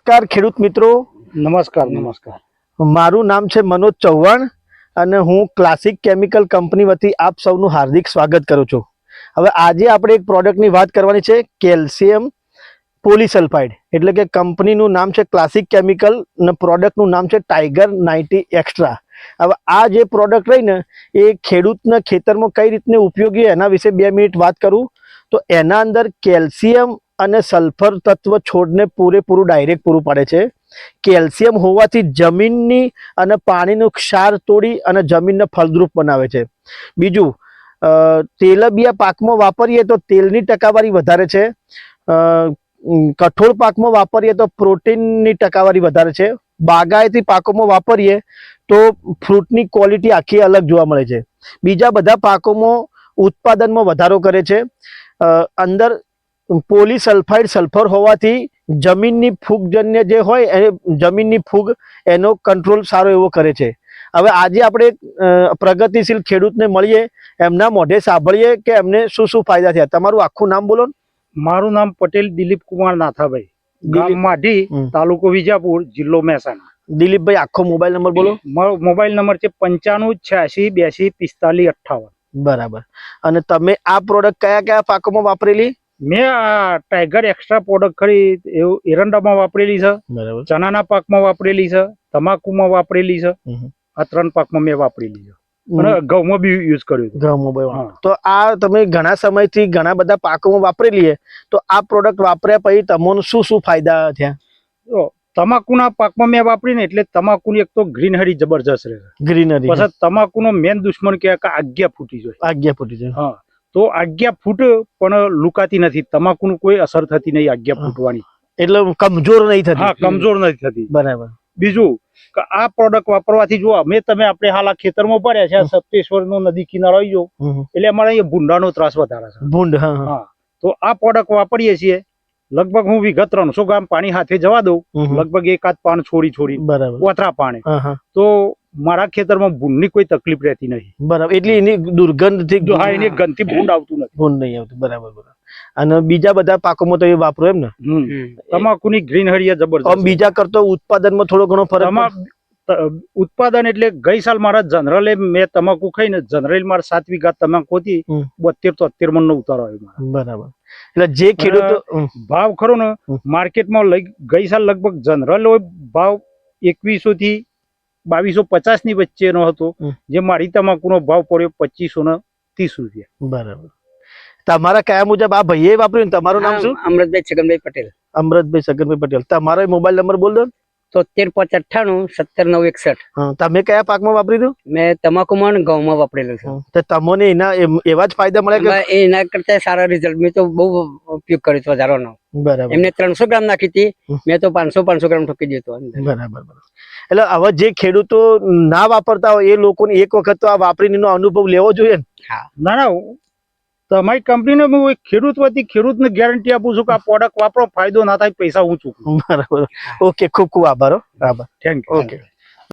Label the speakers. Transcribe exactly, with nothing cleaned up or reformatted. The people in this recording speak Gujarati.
Speaker 1: નમસ્કાર ખેડૂત મિત્રો.
Speaker 2: નમસ્કાર નમસ્કાર
Speaker 1: મારું નામ છે મનોજ ચૌહાણ અને હું ક્લાસિક કેમિકલ કંપની વતી આપ સૌનું હાર્દિક સ્વાગત કરું છું. હવે આજે આપણે એક પ્રોડક્ટની વાત કરવાની છે, કેલ્શિયમ પોલીસલ્ફાઇડ. એટલે કે કંપનીનું નામ છે ક્લાસિક કેમિકલ અને પ્રોડક્ટનું નામ છે ટાઈગર નાઇન્ટી એક્સ્ટ્રા. હવે આ જે પ્રોડક્ટ રહીને એ ખેડૂતના ખેતરમાં કઈ રીતને ઉપયોગી એના વિશે બે મિનિટ વાત કરું તો એના અંદર કેલ્શિયમ અને સલ્ફર તત્વ છોડને પૂરેપૂરું ડાયરેક્ટ પૂરું પાડે છે. કેલ્શિયમ હોવાથી જમીનની અને પાણીનું ક્ષાર તોડી અને જમીનને ફળદ્રુપ બનાવે છે. બીજું, તેલબિયા પાકમાં વાપરીએ તો તેલની ટકાવારી વધારે છે. કઠોળ પાકમાં વાપરીએ તો પ્રોટીનની ટકાવારી વધારે છે. બાગાયતી પાકોમાં વાપરીએ તો ફ્રૂટની ક્વોલિટી આખી અલગ જોવા મળે છે. બીજા બધા પાકોમાં ઉત્પાદનમાં વધારો કરે છે. અંદર પોલીસલ્ફાઇડ સલ્ફર હોવાથી જમીનની ફૂગજન્ય જે હોય એ જમીનની ફૂગ એનો કંટ્રોલ સારો એવો કરે છે. હવે આજે આપણે પ્રગતિશીલ ખેડૂતને મળીએ, એમના મોઢે સાંભળીએ કે એમને શું શું ફાયદા થયા. તમારું આખું નામ બોલો.
Speaker 2: મારું નામ પટેલ દિલીપ કુમાર નાથાભાઈ, ગામ માઢી, તાલુકો વિજાપુર, જિલ્લો મહેસાણા.
Speaker 1: દિલીપભાઈ, આખો મોબાઈલ નંબર બોલો.
Speaker 2: મારો મોબાઈલ નંબર છે પંચાણું છ્યાસી બ્યાસી પિસ્તાલીસ અઠ્ઠાવન.
Speaker 1: બરાબર. અને તમે આ પ્રોડક્ટ કયા કયા પાકોમાં વાપરેલી?
Speaker 2: મેં આ ટાઈગર એક્સ્ટ્રા પ્રોડક્ટ ખરી એવું એરંડામાં વાપરેલી છે,
Speaker 1: બરાબર,
Speaker 2: ચણાના પાકમાં વાપરેલી છે, તમાકુમાં વાપરેલી છે. આ ત્રણ પાકમાં મેં વાપરેલી છે અને ઘઉંમાં બી યુઝ કર્યું.
Speaker 1: ઘઉંમાં. તો આ તમે ઘણા સમયથી ઘણા બધા પાકોમાં વાપરેલી તો આ પ્રોડક્ટ વાપર્યા પછી તમને શું શું ફાયદા થયા?
Speaker 2: તમાકુના પાકમાં મેં વાપરીને એટલે તમાકુની એક તો ગ્રીનરી જબરજસ્ત રહે.
Speaker 1: ગ્રીનરી.
Speaker 2: પછી તમાકુનો મેન દુશ્મન કે આજ્ઞા ફૂટી જાય.
Speaker 1: આજ્ઞા ફૂટી જાય.
Speaker 2: હા, તો આજ્ઞા ફૂટ પણ લુકાતી નથી. તમાકુનું કોઈ અસર થતી નહીં આજ્ઞા ફૂટવાની.
Speaker 1: એટલે કમજોર નહીં થતી.
Speaker 2: હા, કમજોર નથી થતી.
Speaker 1: બરાબર.
Speaker 2: બીજું કે આ પ્રોડક્ટ વાપરવાથી જો અમે તમે આપણે હાલ આ ખેતરમાં પડ્યા છે, સપ્તેશ્વર નો નદી કિનારો આવી ગયો એટલે અમારે અહીંયા ભૂંડાનો ત્રાસ વધારે છે. ભૂંડ. હા, તો આ પ્રોડક્ટ વાપરીએ છીએ. લગભગ હું વિગત ત્રણસો ગ્રામ પાણી હાથે જવા દઉં, લગભગ એકાદ પાન છોડી છોડી ઓથરા પાણી, તો મારા ખેતરમાં ભૂંડની કોઈ તકલીફ રહેતી નહીં.
Speaker 1: બરાબર. એટલે એની દુર્ગંધ થી
Speaker 2: હા, એની ગંધથી ભૂંડ આવતું નથી.
Speaker 1: ભૂંડ નહીં આવતું. બરાબર બરાબર. અને બીજા બધા પાકોમાં તો એ વાપરો એમ ને?
Speaker 2: તમાકુની ગ્રીનરી જબરદસ્ત.
Speaker 1: બીજા કરતો ઉત્પાદનમાં થોડો ઘણો ફરક?
Speaker 2: ઉત્પાદન એટલે ગઈ સાલ મારા જનરલે મેં તમાકુ ખાઈને જનરલ મારા સાત વીઘા તમાકુ હતી, બોતેર તોતેર મણ નો ઉતારો આવ્યો.
Speaker 1: બરાબર. એટલે જે ખેડૂત
Speaker 2: ભાવ ખરો ને માર્કેટમાં લઈ ગઈ સાલ લગભગ જનરલ ભાવ એકવીસો થી બાવીસો પચાસ ની વચ્ચેનો હતો, જે મારી તમાકુનો ભાવ પડ્યો પચીસો ને ત્રીસ રૂપિયા.
Speaker 1: બરાબર. તમારા કયા મુજબ આ ભાઈએ વાપર્યું? તમારું નામ શું?
Speaker 3: અમૃતભાઈ છગનભાઈ પટેલ.
Speaker 1: અમૃતભાઈ છગનભાઈ પટેલ. તમારો મોબાઈલ નંબર બોલ દો.
Speaker 3: તોતેર પાંચ અઠ્ઠાણું સત્તર નવ એકસઠ.
Speaker 1: તમે કયા પાકમાં વાપર્યું?
Speaker 3: મેં તમાકુમાં ઘઉંમાં વાપરેલું છે.
Speaker 1: તમને એના એવા જ ફાયદા મળે?
Speaker 3: એના કરતા સારા રિઝલ્ટ. મેં તો બહુ ઉપયોગ કર્યો હતો વધારાનો.
Speaker 1: બરાબર.
Speaker 3: એમને ત્રણસો ગ્રામ નાખી હતી, મેં તો પાંચસો પાંચસો ગ્રામ ઠોકી દીધો.
Speaker 1: બરાબર. એટલે હવે જે ખેડૂતો ના વાપરતા હોય એ લોકોને એક વખત તો આ વાપરીનો અનુભવ લેવો જોઈએ ને.
Speaker 2: હા, ના ના, તમારી કંપનીને હું ખેડૂત વતી ખેડૂતને ગેરંટી આપું છું કે આ પ્રોડક્ટ વાપરો, ફાયદો ના થાય પૈસા હું ચૂકવું.
Speaker 1: બરાબર. ઓકે, ખૂબ ખૂબ આભાર. આભાર.
Speaker 2: Thank you.
Speaker 1: ઓકે.